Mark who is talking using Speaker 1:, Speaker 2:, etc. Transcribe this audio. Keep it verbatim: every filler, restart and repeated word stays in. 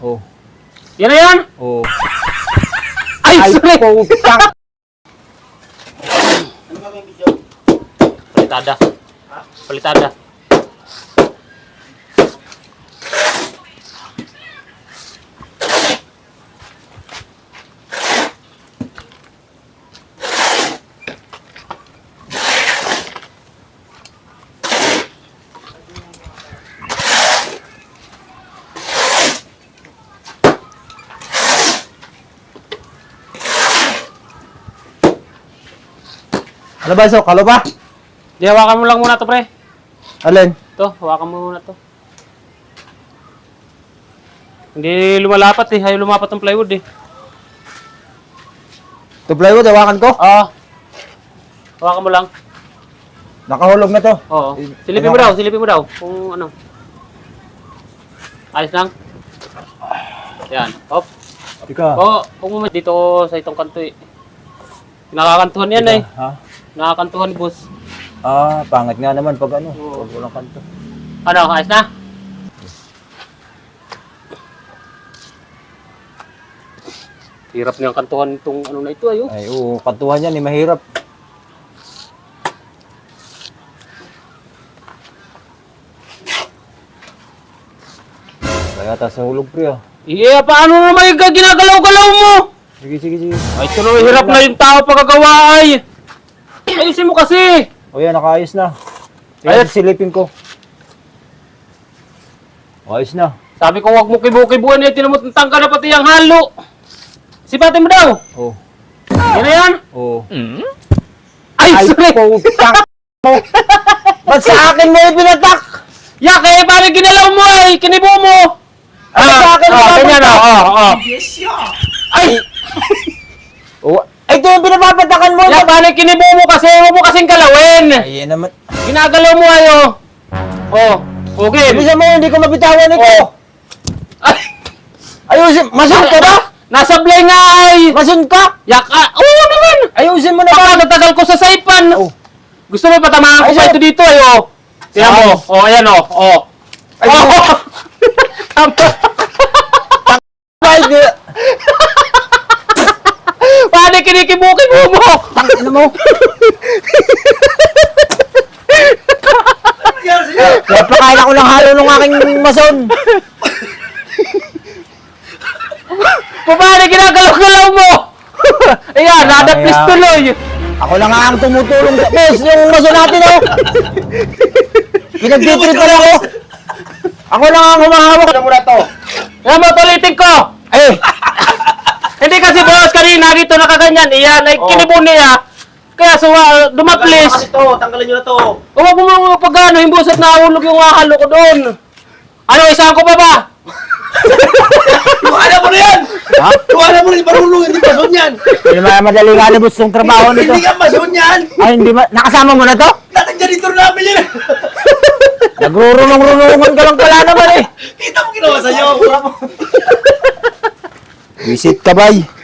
Speaker 1: Oh.
Speaker 2: Yan na yan?
Speaker 1: Oh.
Speaker 2: Ay,
Speaker 1: Ay,
Speaker 2: sorry!
Speaker 1: putang!
Speaker 3: Ano ba yung video?
Speaker 2: Palitada. Palitada.
Speaker 1: Ano ba, so? Kalo ba?
Speaker 2: Di, hawakan mo lang muna to, pre.
Speaker 1: Alin?
Speaker 2: Ito, hawakan mo muna to. Hindi lumalapat eh. Ayaw lumapat ng plywood eh.
Speaker 1: Ito plywood, hawakan ko?
Speaker 2: Oo. Hawakan mo lang.
Speaker 1: Nakahulog na to.
Speaker 2: Oo.
Speaker 1: Eh,
Speaker 2: Silipin mo
Speaker 1: ano?
Speaker 2: daw, silipin mo daw. Kung ano. Ayos lang. Yan. Hop.
Speaker 1: Ika.
Speaker 2: Oo, kung mo dito sa itong kanto eh. Nakakantuhan yan eh.
Speaker 1: Ha?
Speaker 2: Nakakantuhan, boss.
Speaker 1: Ah, pangit nga naman pag ano.
Speaker 2: Oo.
Speaker 1: Pag walang kanto.
Speaker 2: Ano, ayos na? Hirap niyang kantuhan itong ano na ito ayo.
Speaker 1: Ay, oo. Kantuhan yan eh. Mahirap. Kaya ta sa hulog, pre, ah.
Speaker 2: Iya, paano naman yung ginagalaw-galaw mo?
Speaker 1: Sige, sige, sige.
Speaker 2: Ay, ito na hirap na yung tao pagkagawa ay. Ayusin mo kasi.
Speaker 1: O yan, nakaayos na.
Speaker 2: Ayos.
Speaker 1: Ayos, silipin ko. Ayos na.
Speaker 2: Sabi ko, wag mo kibu-kibuan eh. Tinamutang ka na pati yung halo. Sipatin mo daw.
Speaker 1: Oh.
Speaker 2: Yan na yan.
Speaker 1: Oh.
Speaker 2: Ay,
Speaker 1: Ay,
Speaker 2: sorry.
Speaker 1: putang mo. Ba't sa akin mo ipinatak?
Speaker 2: Yak eh, paano ginalaw mo ay? Kinibo mo.
Speaker 1: Ano sa akin
Speaker 2: ah,
Speaker 1: mo
Speaker 2: ganyan
Speaker 1: papatak?
Speaker 2: oh, oh, oh. Ay,
Speaker 1: Oh, ay, ito yung pinapapatakan mo.
Speaker 2: yak, paano kinibo mo kasi? Huwag mo kasing galawin.
Speaker 1: Ay, yan naman.
Speaker 2: Ginagalaw mo ayo. Oh, okay.
Speaker 1: Ibig sabihin, hindi ko mabitawan ito.
Speaker 2: Oh. Ay,
Speaker 1: Ayusin, masun ka ba?
Speaker 2: nasa blay nga ay.
Speaker 1: Masun ka?
Speaker 2: Yak, ah, oo naman.
Speaker 1: Ayusin mo naman.
Speaker 2: Napakatagal ko sa saipan.
Speaker 1: Oh.
Speaker 2: Gusto mo patamahan ko
Speaker 1: Ay,
Speaker 2: pa
Speaker 1: sir.
Speaker 2: ito dito ay oh. Tingnan mo. Oh, ayan oh. Oh.
Speaker 1: Ay,
Speaker 2: Oh. Tama.
Speaker 1: Ay, di.
Speaker 2: Paano kinikibukin mo mo?
Speaker 1: Tangin mo. Napakain ako ng halo ng aking mason.
Speaker 2: Paano ginagalaw-galaw mo? Ayan, nada
Speaker 1: Kaya-
Speaker 2: please tuloy.
Speaker 1: Ako lang nga ang tumutulong sa boss, yung mason natin, oh. Pinagtitrip pa ako. Ako lang ang humahawak.
Speaker 3: Ano muna to?
Speaker 2: Yan mo, tulitin ko.
Speaker 1: Ay,
Speaker 2: Hindi kasi boss, kanina dito nakaganyan. Iyan, ay
Speaker 3: Oh.
Speaker 2: kinibon niya. Kaya suwa, dumaplis.
Speaker 3: Kasi to, tanggalin nyo na to.
Speaker 2: Huwag mo mga pag ano, yung busat nahulog yung halo ko doon. Ano, isang ko pa ba?
Speaker 3: Tuhanan mo na yan!
Speaker 1: ha?
Speaker 3: Tuhanan mo na yung marunong, hindi mason yan!
Speaker 1: Hindi naman madali nga nabos yung trabaho nito.
Speaker 3: Hindi ka mason yan!
Speaker 1: Ay, hindi ma... Nakasama mo na to?
Speaker 3: Natang janitor namin yan!
Speaker 1: Nagrurunong-runungan ka lang pala naman eh.
Speaker 3: Kita mo ginawa sa'yo!
Speaker 1: Visit ka, bay.